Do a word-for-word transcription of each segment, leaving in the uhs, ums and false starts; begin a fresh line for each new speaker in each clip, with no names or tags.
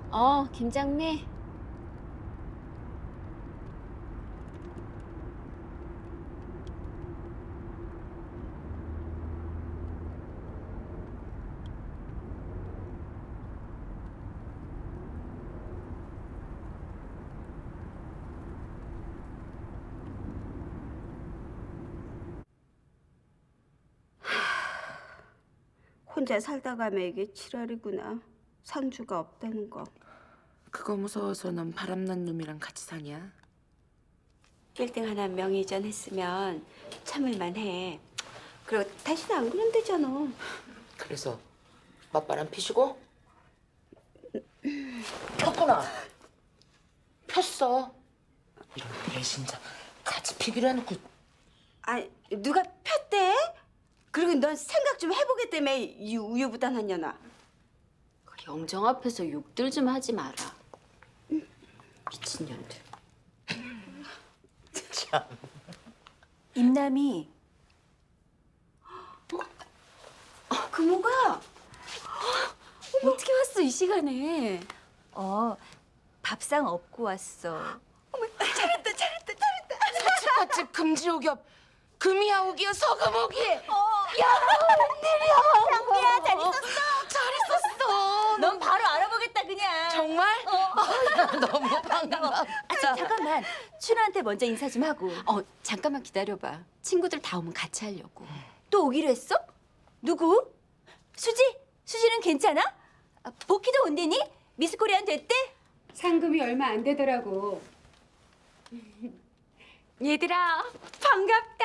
어, 김장미.
혼자 살다 가면 이게 칠월이구나. 상주가 없다는 거.
그거 무서워서 넌 바람난 놈이랑 같이 사냐?
일 등 하나 명의전 했으면 참을만 해. 그리고 다시는 안 그러면 되잖아.
그래서 맞바람 피시고? 폈구나. 폈어. 이런 배신자 같이 피기로 해놓고.
아, 누가 폈대? 그리고 넌 생각 좀 해보겠다며, 이 우유부단한 년아.
영정 앞에서 욕들 좀 하지 마라. 미친년들.
참.
임남이. 금호가
어떻게 왔어, 이 시간에?
어, 밥상 업고 왔어.
잘했다, 잘했다, 잘했다.
사치과집 금지옥엽 금이야옥이야 서금옥이.
장미야, 잘 있었어?
잘했었어.
넌 바로 알아보겠다 그냥.
정말? 너무 반가워.
아, 저, 잠깐만. 춘우한테 먼저 인사 좀 하고.
어, 잠깐만 기다려봐. 친구들 다 오면 같이 하려고.
또 오기로 했어? 누구? 수지? 수지는 괜찮아? 아, 복희도 온대니? 미스코리안 됐대?
상금이 얼마 안 되더라고.
얘들아, 반갑다.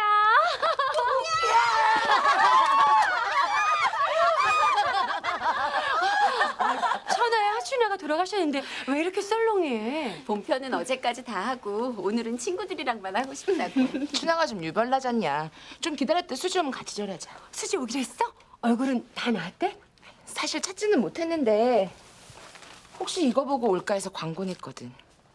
천하의 하춘아가 돌아가셨는데 왜 이렇게 썰렁해?
본편은 어제까지 다 하고 오늘은 친구들이랑만 하고 싶다고.
춘향아 좀 유별나잖냐. 좀 기다렸대. 수지 오면 같이 절하자.
수지 오기로 했어? 얼굴은 다 나았대?
사실 찾지는 못했는데 혹시 이거 보고 올까 해서 광고 냈거든.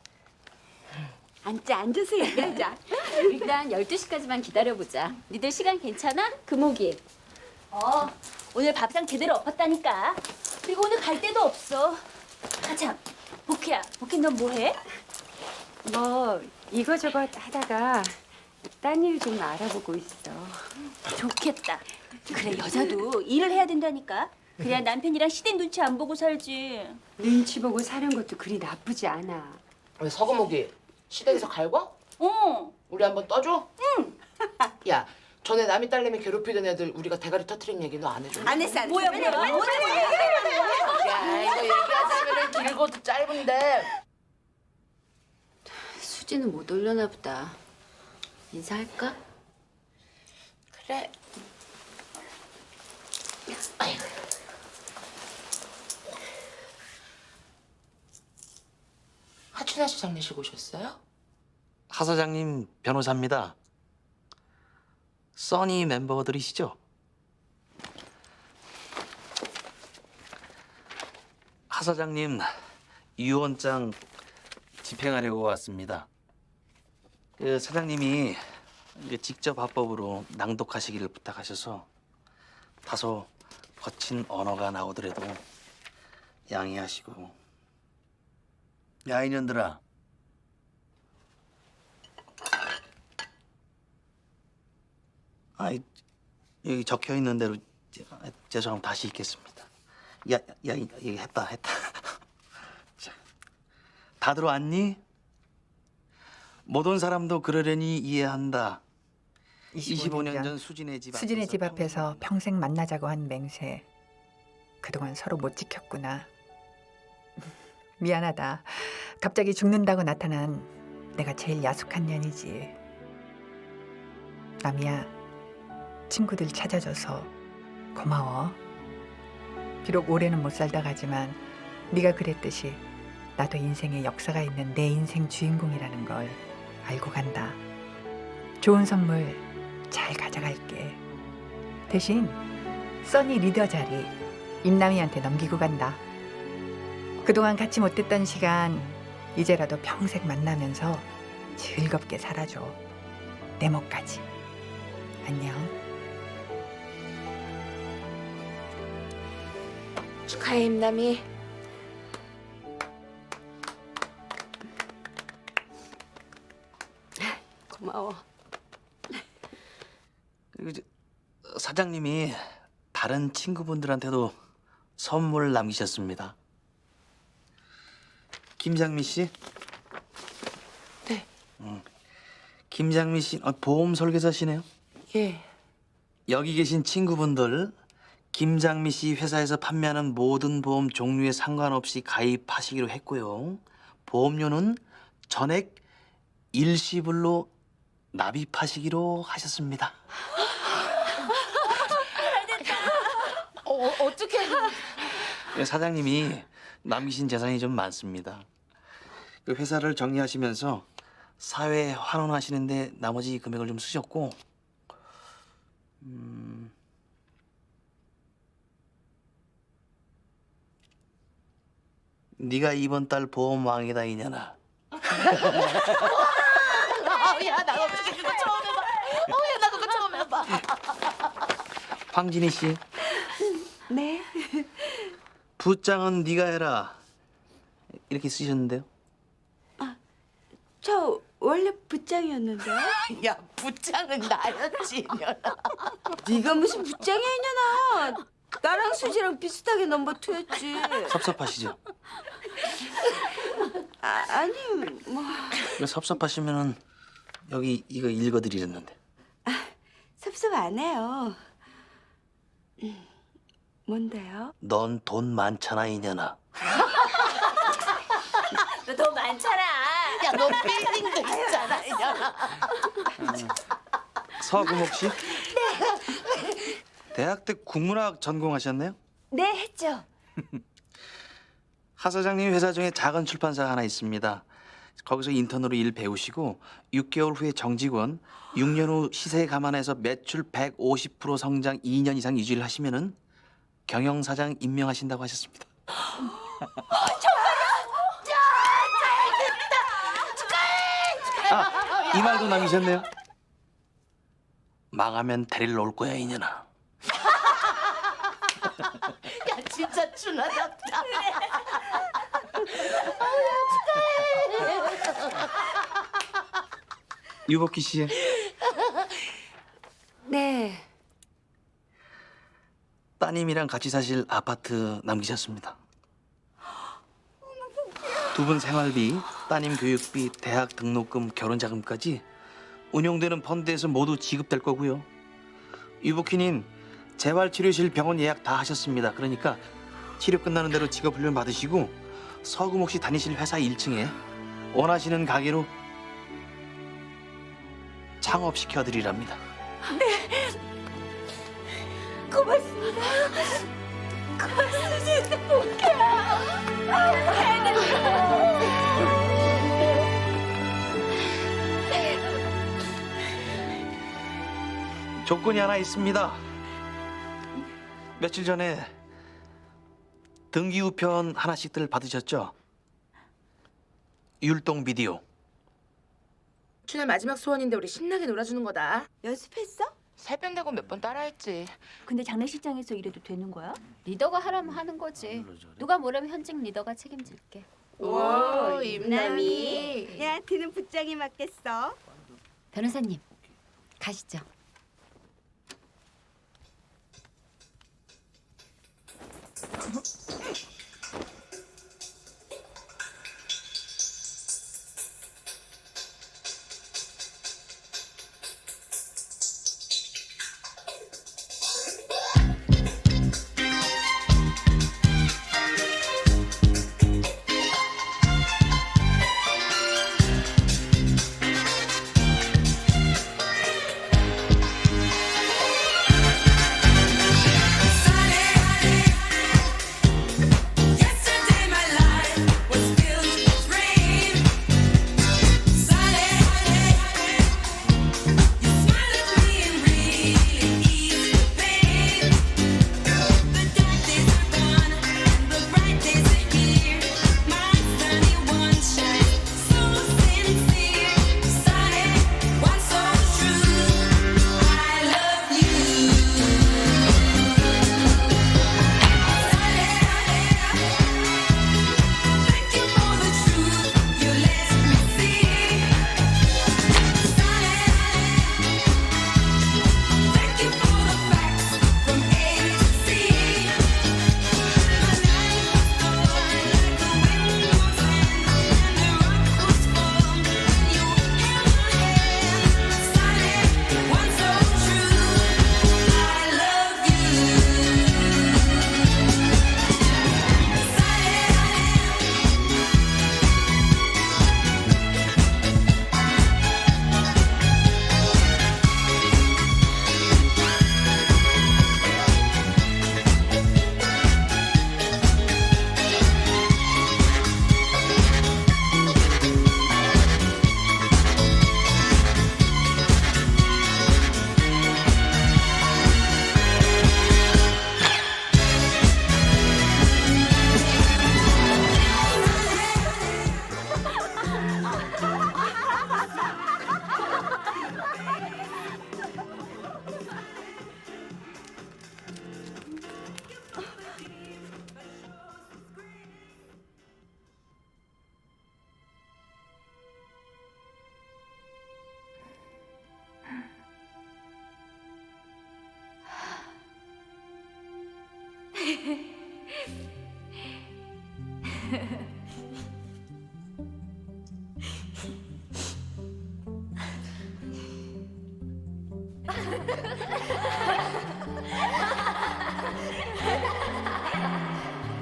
앉자, 앉아서 얘기하자.
일단 열두 시까지만 기다려보자. 니들 시간 괜찮아? 금옥이.
어, 오늘 밥상 제대로 엎었다니까. 그리고 오늘 갈 데도 없어. 아, 참. 복희야, 복희 넌 뭐해?
뭐 이거저거 하다가 딴 일 좀 알아보고 있어.
좋겠다. 그래, 여자도 일을 해야 된다니까. 그래야 남편이랑 시댁 눈치 안 보고 살지.
눈치 보고 사는 것도 그리 나쁘지 않아.
왜 서금옥이 시댁에서 갈궈?
어.
우리 한번 떠줘? 응. 야, 전에 남이 딸내미 괴롭히던 애들 우리가 대가리 터트린 얘기 너 안 해줘?
안 했어, 안 했어.
뭐야, 뭐야, 뭐야, 뭐야.
야, 이거 얘기하자면 길고도 짧은데.
수지는 못 올려나 보다. 인사할까?
그래. 아이고. 하춘아 씨 장례식 오셨어요?
하 사장님 변호사입니다. 써니 멤버들이시죠? 하 사장님 유언장 집행하려고 왔습니다. 그 사장님이 이게 직접 합법으로 낭독하시기를 부탁하셔서 다소 거친 언어가 나오더라도 양해하시고. 야 이년들아. 아, 여기 적혀 있는 대로 죄송합니다. 다시 읽겠습니다. 야, 야, 이거 했다, 했다. 자, 다들 왔니? 모든 사람도 그러려니 이해한다. 이십오 년 전 수진의 집
수진의
앞에서
집 앞에서 평생 만나자고 한 맹세. 그동안 서로 못 지켰구나. 미안하다. 갑자기 죽는다고 나타난 내가 제일 야속한 년이지. 남이야, 친구들 찾아줘서 고마워. 비록 오래는 못 살다 가지만 네가 그랬듯이 나도 인생에 역사가 있는 내 인생 주인공이라는 걸 알고 간다. 좋은 선물 잘 가져갈게. 대신 써니 리더 자리 임남이한테 넘기고 간다. 그동안 같이 못했던 시간 이제라도 평생 만나면서 즐겁게 살아줘. 내 몫까지. 안녕.
축하해 임남이.
고마워.
그리고 이제 사장님이 다른 친구분들한테도 선물 남기셨습니다. 김장미 씨?
네.
음, 김장미 씨 아, 보험 설계사시네요.
예.
여기 계신 친구분들 김장미 씨 회사에서 판매하는 모든 보험 종류에 상관없이 가입하시기로 했고요. 보험료는 전액 일시불로 납입하시기로 하셨습니다.
어, 어 어떻게?
사장님이 남기신 재산이 좀 많습니다. 그 회사를 정리하시면서 사회에 환원하시는데 나머지 금액을 좀 쓰셨고, 음, 네가 이번 달 보험 왕이다 이년아.
야, 나 어떻게 그거 처음 해봐. 어, 야, 나 그거 처음 해봐.
황진희 씨,
네.
부장은 네가 해라 이렇게 쓰셨는데요.
저 원래 부장이었는데.
야, 부장은 나였지, 이년아.
네가 무슨 부장이야 이년아. 나랑 수지랑 비슷하게 넘버 투였지.
섭섭하시죠?
아, 아니 뭐
이거 섭섭하시면은 여기 이거 읽어드리렸는데.
섭섭 안 해요. 음, 뭔데요?
넌 돈 많잖아 이년아.
너 돈 많잖아.
야, 너 빌딩도 있잖아, 이년아.
서금옥 씨? 네. 대학 때 국문학 전공하셨네요?
네, 했죠.
하 사장님 회사 중에 작은 출판사가 하나 있습니다. 거기서 인턴으로 일 배우시고 육 개월 후에 정직원, 육 년 후 시세 감안해서 매출 백오십 퍼센트 성장 이 년 이상 유지를 하시면은 경영사장 임명하신다고 하셨습니다. 아, 이 말도 남기셨네요. 망하면 데리러 올 거야 이년아.
야, 진짜 준하답다.
유복희 씨,
네.
따님이랑 같이 사실 아파트 남기셨습니다. 두 분 생활비, 따님 교육비, 대학 등록금, 결혼 자금까지 운용되는 펀드에서 모두 지급될 거고요. 유복희님, 재활치료실 병원 예약 다 하셨습니다. 그러니까 치료 끝나는 대로 직업훈련 받으시고 서금옥 씨 다니실 회사 일 층에 원하시는 가게로 창업시켜드리랍니다.
고맙습니다. 고맙습니다. 복희야.
조건이 하나 있습니다. 며칠 전에 등기 우편 하나씩들 받으셨죠? 율동 비디오.
준아 마지막 소원인데 우리 신나게 놀아주는 거다.
연습했어?
살편 되고 몇 번 따라했지.
근데 장례식장에서 이래도 되는 거야?
리더가 하라면 하는 거지. 누가 뭐라면 현직 리더가 책임질게.
오, 임남이.
야, 드는 부장이 맞겠어.
변호사님, 가시죠.